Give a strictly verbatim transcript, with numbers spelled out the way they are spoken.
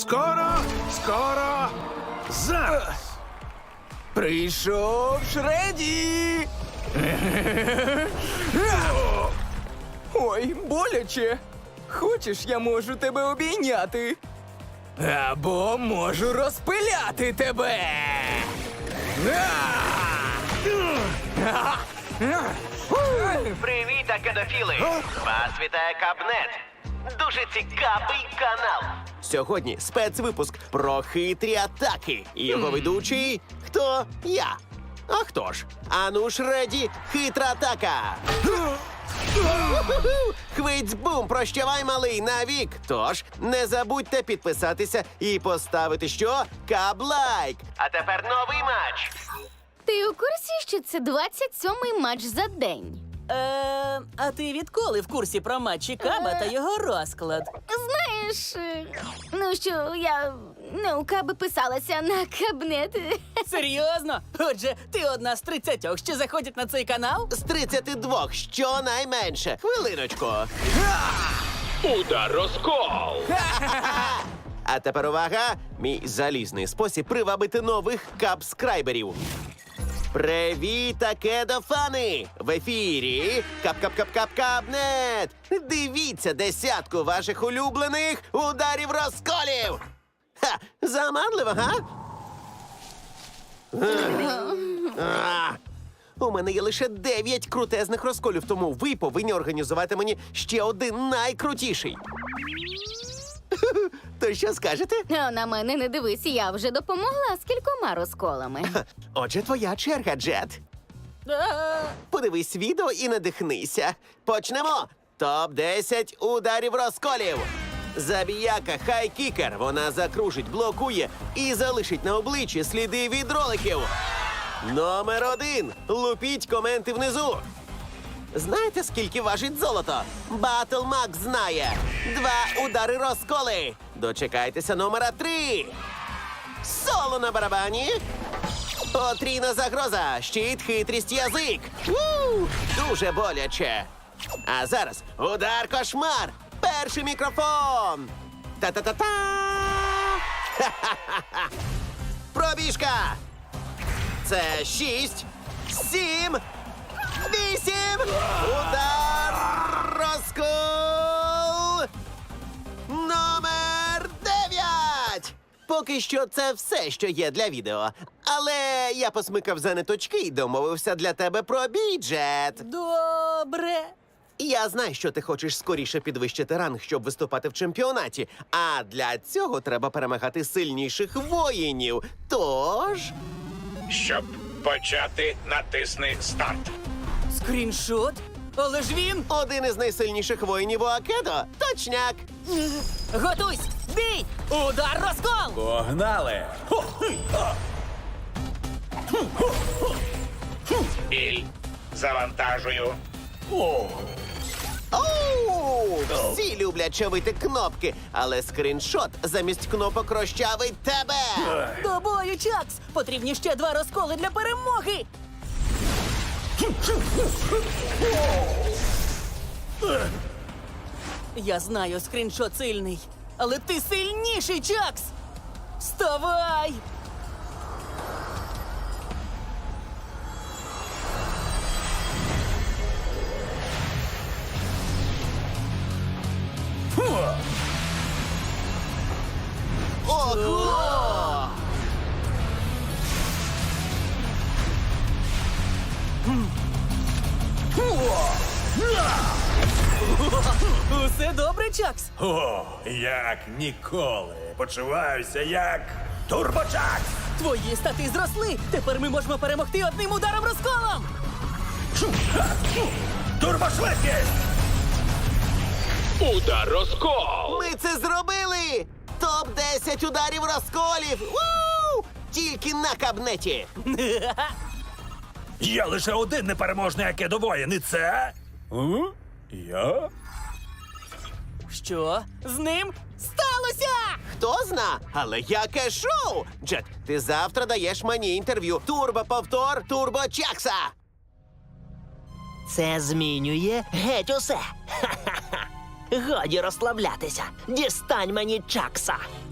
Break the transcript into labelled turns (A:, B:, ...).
A: Скоро, скоро, зараз.
B: Прийшов Шреді! Ой, боляче. Хочеш, я можу тебе обійняти? Або можу розпиляти тебе.
C: Привіт, акедофіли! Вас вітає Кабнет. Дуже цікавий канал.
D: Сьогодні спецвипуск про хитрі атаки. І його ведучий – хто? Я. А хто ж? Ану Шреді, хитра атака. Хвиць-бум, прощавай, малий, навік. Тож, не забудьте підписатися і поставити що? Каблайк.
C: А тепер новий матч.
E: Ти у курсі, що це двадцять сьомий матч за день?
F: Е, а ти відколи в курсі про матчі Каба та його розклад?
E: Знаєш, е, ну що, я не у Каби писалася на кабнет.
F: Серйозно? Отже, ти одна з тридцятьох, що заходять на цей канал?
D: З тридцяти двох, щонайменше. Хвилиночку.
A: Удар розкол!
D: А тепер увага! Мій залізний спосіб привабити нових капскрайберів. Привіт, акедофани! В ефірі Кап-Кап-Кап-Кап-Кабнет! Дивіться десятку ваших улюблених ударів розколів! Ха! Заманливо, га? А, у мене є лише дев'ять крутезних розколів, тому ви повинні організувати мені ще один найкрутіший. То що скажете?
E: А на мене не дивись, я вже допомогла з кількома розколами.
D: Отже, твоя черга, Джет.
F: Е,
D: Подивись відео і надихнися. Почнемо! топ десять ударів розколів. Забіяка хай-кікер. Вона закружить, блокує і залишить на обличчі сліди від роликів. Номер один. Лупіть коменти внизу. Знаєте, скільки важить золото? Батл Мак знає. Два удари розколи. Дочекайтеся номера три. Соло на барабані. Потрійна загроза. Щит, хитрість, язик. У, дуже боляче. А зараз удар кошмар. Перший мікрофон. Та-та-та-та. Ха-ха-ха-ха. Пробіжка. Це шість, сім, вісім. Удар розкол. Номер дев'ять. Поки що це все, що є для відео. Але я посмикав за ниточки і домовився для тебе про бюджет.
F: добре.
D: Я знаю, що ти хочеш скоріше підвищити ранг, щоб виступати в чемпіонаті. А для цього треба перемагати сильніших воїнів. Тож...
A: Щоб почати, натисни старт.
F: Скріншот? Але ж він...
D: Один із найсильніших воїнів у Акедо. Точняк.
F: Готуйсь! Бій! Удар розкол!
A: Погнали! Біль. Завантажую.
D: Оу! Всі люблять чавити кнопки, але скріншот замість кнопок розчавить тебе.
F: До бою, Чакс! Потрібні ще два розколи для перемоги! Я знаю, скріншот сильний, але ти сильніший, Чакс! Вставай!
D: Ого!
F: Усе добре, Чакс?
G: О, як ніколи. Почуваюся як турбочак.
F: Твої стати зросли! Тепер ми можемо перемогти одним ударом розколом!
G: Турбошвидкість!
A: Удар розкол!
D: Ми це зробили! топ десять ударів розколів! Уу! Тільки на кабнеті!
G: Є лише один непереможний акедовоїн, і це... М? Я?
F: Що з ним сталося?
D: Хто зна? Але яке шоу! Джет, ти завтра даєш мені інтерв'ю. Турбо-повтор Турбо-Чакса!
H: Це змінює геть усе. Ха-ха-ха. Годі розслаблятися. Дістань мені Чакса.